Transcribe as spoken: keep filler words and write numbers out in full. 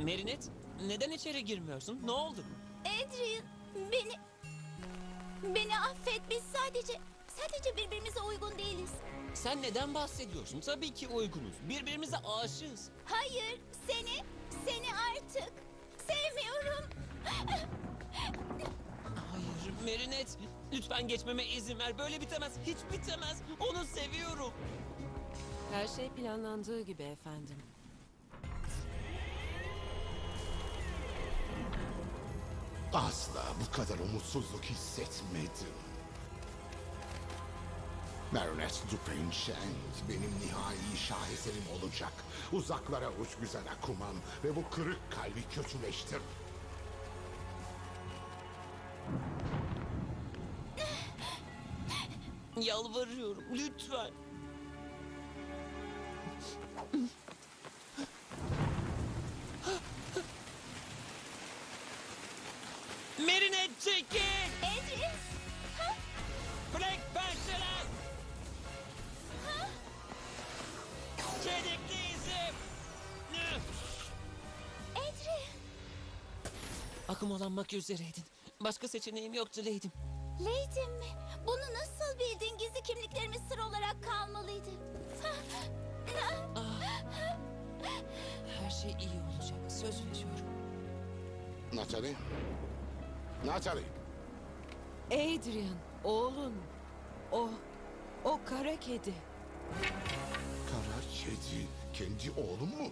Merinet, neden içeri girmiyorsun? Ne oldu? Adrian, beni... Beni affet, biz sadece... Sadece birbirimize uygun değiliz. Sen neden bahsediyorsun? Tabii ki uygunuz. Birbirimize aşığız. Hayır, seni, seni artık sevmiyorum. Hayır, Merinet. Lütfen geçmeme izin ver. Böyle bitemez. Hiç bitemez. Onu seviyorum. Her şey planlandığı gibi efendim. Asla bu kadar umutsuzluk hissetmedim. Marinette Dupain-Cheng benim nihai şaheserim olacak. Uzaklara uç güzel Akuman ve bu kırık kalbi kötüleştir. Yalvarıyorum. Lütfen. Merinet çekil! Adrian, ha? Black Panther'lar! Çelikli izim! Adrian, Akımolanmak üzereydin. Başka seçeneğim yoktu Lady'm. Lady'm mi? Bunu nasıl bildin? Gizli kimliklerimiz sır olarak kalmalıydı. Her şey iyi olacak. Söz veriyorum. Natalie? Natalie! Adrian, oğlun. O, o kara kedi. Kara kedi kendi oğlum mu?